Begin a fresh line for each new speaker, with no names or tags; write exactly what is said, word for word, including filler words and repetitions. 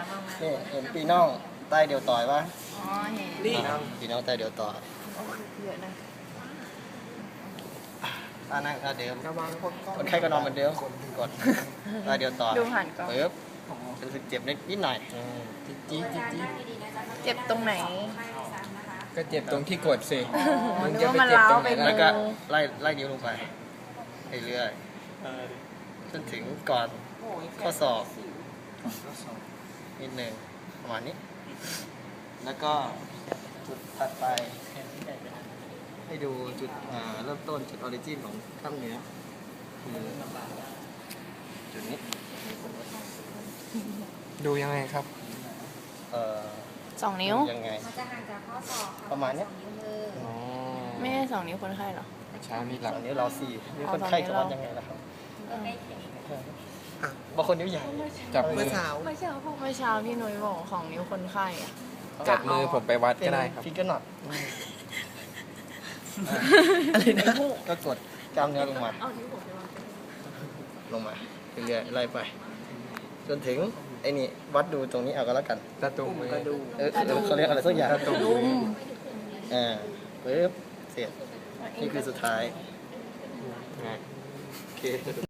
บ้างไหม
นี่เห็นปีน่องใต้เดียวต่อยปะ
อ๋อเห็น
ปีน่องปีน่องใต้เดียวต่อย
โอ้เยอะนะ
ท่านั่งท่าเดิม
ระวังคนกล้อง
คนไข้ก็นอนเหมือนเดิมกดใต้เดียวต่อย
ดูหันก่อน
ปึ๊บรู้สึกเจ็บนิดนิดหน่อย
จี๊ดจี๊ดจี๊ดจี๊ด
เจ็บตรงไหน
ก็เจ็บตรงที่กดสิ
อ๋อ
มึง
นึก
จะ
ว่า
ไป
มัน
เจ็บ
ร้า
ตร
ว
งไห
ไป
น
มื
ล่ะ
แล้วก็
อ
ไล่ไล่นิ้วลงไปเรื่อยๆจนถึงก่อนข้อศอกนิดหนึ่งประมาณนี้ แล้วก็จุดถัดไป ให้ดูจุดอ่าเริ่มต้นจุดออริจินของกล้ามเนื้อคือจุดนี้
ดูยังไงครับ
เอ่อ
สองนิ้ว
ยังไง
มันจะห่างจากข้อศอกค่ะ
ประมาณเนี้ย
สองนิ้วมือ
อ๋อ
ไม่ใช่สองนิ้วคนไข้เหรอ
เช้านี้หลับ
ตอนนี้เราสี่นิ้ว
เอา
คนไข้
ตอนนี้
จะวัด
เรา
ยังไงล่ะครับ
ใกล้เคียง
บางคนนิ้วใหญ่
จับมือ
เมื่อเช้าเมื่อเช้าพี่นุ้ยบอกของนิ้วคนไข้อะ
จับมือผมไปวัดก็ได้ครับ
ฟิกเกอร์น็อตอะไรนะก็กดกล้ามเนื้อลงมา
เอานิ้วผมไปวาง
ลงมาเรื่อยๆไล่ไป จนถึงไอ้นี่วัดดูตรงนี้เอาก็แล้วกัน
ตะตุ่มมือ
เออเออเขาเรียกอะไรสักอย่าง
ตุ่ม
ลุม
อ่าปึ๊บเสร็จนี่คือสุดท้าย
ไง
โอเค